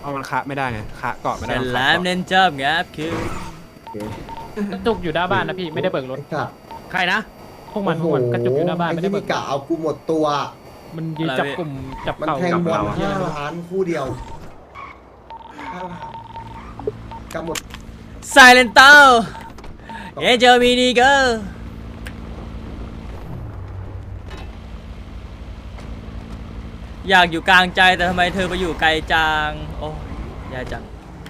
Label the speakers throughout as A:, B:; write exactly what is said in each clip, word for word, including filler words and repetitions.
A: เอามันคะไม่ได้ไงคะเกาะไม่ได้
B: แต่
A: มัน
B: แล้
A: คะ
B: ว
A: เกาะ
B: เน้นจับงับคือ
C: จุกอยู่หน้าบ้านนะพี่ไม่ได้เบิกรถ
D: ไอ้สัตว์
E: ใครนะ
C: พวกมันพวกมันกระจุกอยู่หน้าบ้าน
D: ไอ้
C: ไม่ได้
D: ที่
C: เบิ
D: มี
C: ก
D: กะเอากูหมดตัว
C: มันยืนจับกลุ่มจับ
D: มัน
C: เข่า
D: แทง
C: กับบ
D: อล
C: เรา
D: ห้าล้านคู่เดียวห้าล้านกำหมด
B: ไซเลนเตอร์เอเจอมีดีเกอร์อยากอยู่กลางใจแต่ทำไมเธอไปอยู่ไกลจังโอ้ยยายจัง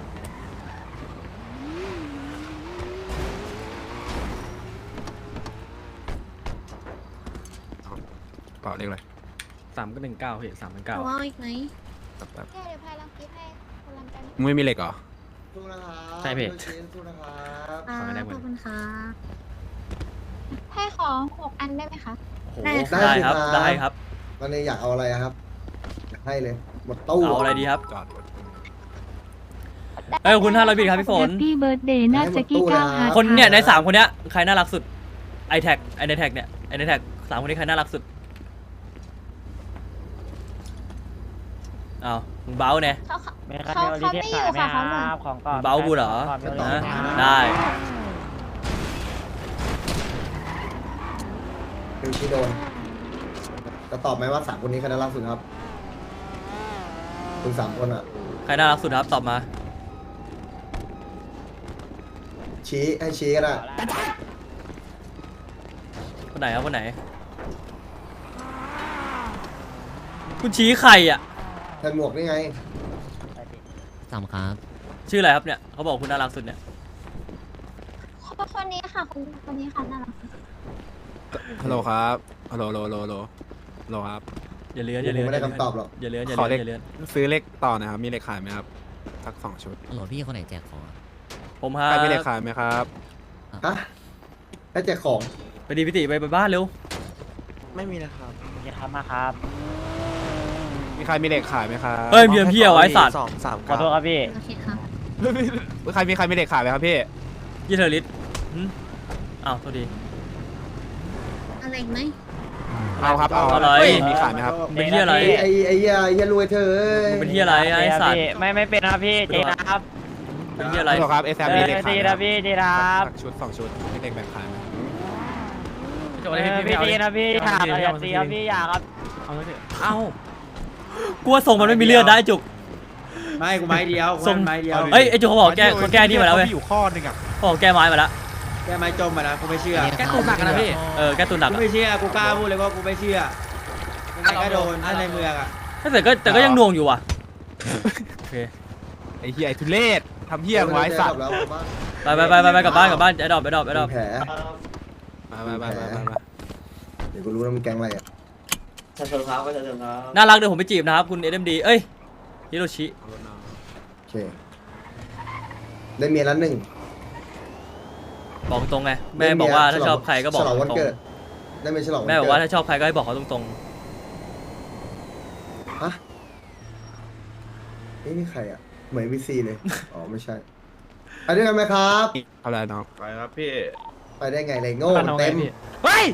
A: เปล่าเรียกอะไร
B: สามก็หนึ่งเก้าเหตุสามเป็นเก้า
F: เอาอีกไหม
A: แบบแบบ
F: เดี๋ยวพายลังกิฟให้คนลังกัน
A: มึงไม่มีเหล็กเหรอ
D: สู้นะครับ
B: ใช่พี่
D: สู้นะครับ
F: อ่า
B: ขอให้ได้หมด
F: ขอบคุณค่ะให้ขอหกอันได้ไหมคะ
B: โอ้โหได้ครับได้ครับ
D: ตอนนี้อยากเอาอะไรอะครับอยากให้เลยหมดตู้
B: เอาอะไรดีครับ
A: จอดรถ
B: เอ้ยขอบคุณห้าร้อยบิตครับพี่ฝน
G: แฮปปี้เบิร์ดเดย์น่าจะกี้ก้าวหา
B: คนเนี่ยในสามคนเนี้ยใครน่ารักสุดไอแท็กไอในแท็กเนี่ยไอในแท็กสามคนนี้ใครน่ารักสุดอ้าวมึงเบ้าเนี่ย
F: เขาเขา
E: ไม่
F: เขาเขาไม่อยู่ค่ะเขาหมด
E: ของก่อน
B: เบ้ากูเหรอ
E: ก่อน
B: นะได้
D: คือที่โดนจะตอบไหมว่าสามคนนี้ใครน่ารักสุดครับคุณสามคนอะ
B: ใครน่ารักสุดครับตอบมา
D: ชี้ให้ชี้ก็ได้
B: คนไหนครับคนไหนคุณชี้ใครอ่ะ
D: ใส่หมวกนี่ไง
H: สามครับ
B: ชื่ออะไรครับเนี่ยเขาบอกคุณน่ารักสุดเนี่ย
F: คนนี้ค่ะคนคนนี้ค่ะน่ารัก
A: ฮัลโหลครับฮัลโหลฮัลโหลฮัลโหลฮัลโหลฮัลโหลครับ
B: อย่าเลื้อนอ
D: ผ
B: ย่าเลื้อน
D: มไม่ได้คำตอบหรอก
B: อย่าเลื้อนอย่า
A: ขอ
B: เลื้
A: เล
B: อน
A: ข
B: อย่าเลื้อน
A: ซื้อเลขต่อนะครับมีเลขขายไหมครับสักสองชุด
H: หลวพี่คนไหนแจกของอะ
B: ผมฮะ
A: ใครมีเลขขายไหมครับ
D: ฮะให้แจกของ
B: ไปดีพิติไปไปบ้านเร็ว
A: ไม่มีนะครับ
E: อย่าทำมาครับ
A: มีใครมีเลขขายไหมครับ
B: เฮ้ยเมียเพี้ยไว้สัตว์
A: สองสาม
E: ขอโทษครับพี่
F: โอเคค่ะ
A: ใครมีใครมีเลขขายไหมครับพี่
B: ยี่เทอร์ลิสหึอ้าวโทษดี
F: อะไรอีกไหม
A: เอาครับเอา
B: อะไร
A: มีขายไหมครับ
B: เป็นที่อะไร
D: ไอ้ไอ้เหี้ยไอ้เหี้ยรวยเธอ
B: มึงเป็นที่อะไรไอ้สัตว์
E: ไม่ไม่เป็นครับพี่เจนะครับ
B: เป็นที่อะไร
A: ฮัลโหลครับเอสแอมมีเลขขาย
E: ดี
A: ไหมค
E: นะ
A: รับ
E: พี่ดีนะครับ
A: สักชุดสองชุดมีเลขแบ่งขายไหม
E: เออพี่ดีนะพี่ถามอย่าตีครับพี่อย่าครับ
B: เอาไว้เถอะเอ้ากลัวส่งมันไม่มีเลือดได้จุก
I: ไม่กูไม้เดียวกู
B: ส่ง
I: ไม้เดียว
B: เอ้ยไอ้จุกเขาบอกแก้เขาแก้นี่มาแล้วเว้ย
I: อยู่ข้อหนึ่งอ่ะ
B: เขาบอกแก้ไม้มาแล้ว
I: แกไม้จมมานะกูไม่เชื่อ
H: แก้ตัวหนักนะพี่
B: เออแก้ตุนหนัก
I: กู
B: อะ
I: ไม่เชื่อกูกล้าพูดเลยว่ากูไม่เชื่อยังไงก็โดนถ้าในเมืองอ่ะ
B: แต่ก็แต่ก็ยังหน่วงอยู่ว่ะโอเค
A: ไอ้เหี้ยไอ้ทุเรศทำเหี้ยไว้สัตว์
D: แล้ว
B: ไปไปไปไปไปกลับบ้านกลับบ้านไอ้ดอกไอ้ดอกไอ้ดอก
D: แผล
A: มามามามามา
D: เดี๋ยวกูรู้แล้วมันแกงอะไรอ่ะ
I: เชิญครับก็เชิญครับ
B: น่ารักเดี๋ยวผมไปจีบนะครับคุณเอ็มดีเอ้ยฮิโรชิ
D: โอเคได้เมียแล้วหนึ่ง
B: บอกตรงไงแม่บอกว่าถ้าชอบใครก็บอก
D: ฉลองวัน
B: ตรง
D: เกิดได้เมียฉลองวัน
B: แม่
D: เกิด
B: บอกว่าถ้าชอบใครก็ให้บอกเขาตรง
D: ฮะนี่นี่ใครอ่ะเหมือนวีซีเลยอ๋อไม่ใช่ไปด้วยกันไหมครับ
A: เอาอะไรน้อง
I: ไปครับพี่
D: ไปได้ไงเลยโง่
C: บ้านเอาไง
D: เต็ม
C: พี่
B: ๆเฮ้ย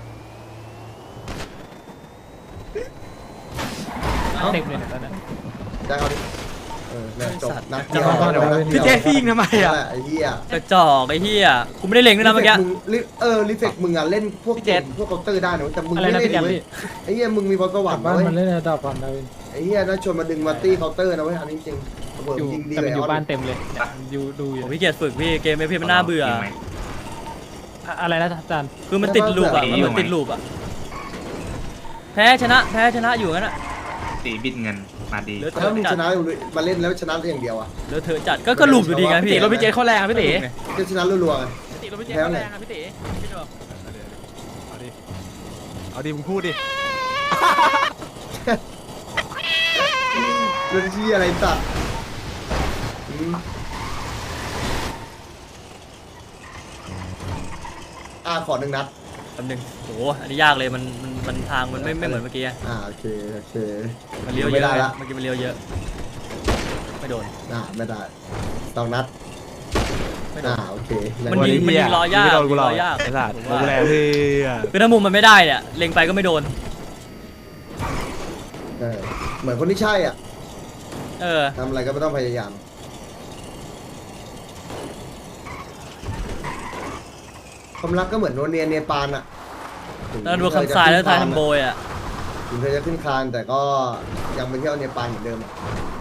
C: เต็มเลยเนี่ยตอนนั้น
D: ได้เขาดิเออเนี่ยจบนัดเดียว
A: พี่เจฟี่ยิงทำไมอ่ะ
D: ไอ้เหี้ย
B: กระจอกไอ้เหี้ยกูไม่ได้เล็งด้วยนะเมื่อกี้
D: งลิเออลิเฟกมึงอ่ะเล่นพวกเกมพวกเคาน์เตอร์ได้นะแต่มึง
C: อะไร
D: ไม่
C: นะ
D: เล่
C: พี่
D: น
C: แกม
D: เว้ย
C: พี่
D: ไอ้เหี้ยมึงมีพรสวรรค์
C: บ้าน
D: เว้ย
C: มันเล่นระดับพันเลย
D: ไอ้เหี้ยน่าชวนมาดึงมาตี้เคาน์เตอร์นะเว้ยอันนี้จริงระเบิด
C: อยู่
D: ยิงดี
C: แต่
D: เล
C: มัน
D: ย
C: อยู่
D: เอา
C: บ้านเต็มเลยเนี่ยอยู่ดูอยู่
B: ผมพี่เกียรเฝึกพี่เกมไม่พี่มันน่าเบื่อ
C: อะอะไรนะอาจารย์
B: คือมันติดลูปอ่ะมันเหมือนติดลูปอ่ะแพ้ชนะแพ้ชนะอยู่งั้นอ่ะ
I: ตีบิดเงินมาดี
B: เหลือเธ
D: ถ้า
B: อ
D: มึง
B: จั
D: ช
B: ด
D: นะมาเล่นแล้วชนะอย่างเดียวอ่ะ
B: เหลือเธอจัดก็ก็ลูปอยู่ดีไงพี่
D: รถพี่เจเขาแรงอะพี่ตี จะชนะรัวๆไง
B: ติรถพี่เจ
D: แพ้
B: เขา
D: ไง
B: แรงอะพี่ตีพี่บอก
A: เอาดิเอาดิมึงพูดดิ
D: เรื่องที่อะไรสัตว์อืมอ่าขอหนึ่งนัด
B: แป๊บนึงโอ้โหอันนี้ยากเลยมันมันมันทางมันไม่ไม่เหมือนเมื่อกี้อะ
D: อ่าโอเคโอเค
B: มันเลี้ยวเย
D: ไม่
B: อะ
D: ได้ละ
B: เมื่อกี้มันเลี้ยวเยอะไม่โดน
D: อ่าไม่ได้สองนัด
B: ไม่โด
D: อ่าน โอเค
B: มันยิงมันยิงรอยาก
A: ไม่โดนกูหรอก
B: รอยาก
A: ไอ้สัตว์
B: ผม
A: กู
B: ว่า
A: แรงเพื่อ
B: คือถ้ามุมมันไม่ได้เนี่ยเล็งไปก็ไม่โดน
D: เออเหมือนคนที่ใช่อ่ะ
B: เออ
D: ทำอะไรก็ไม่ต้องพยายาม ความรักก็เหมือนโนเนียเนปาลอะถึง
B: แล้วดูคำทรายแล้วทรายทำโบยอ่ะ
D: ถึงเธอจะขึ้นคานแต่ก็ยังไปเที่ยวเนปาลเหมือนเดิมอะ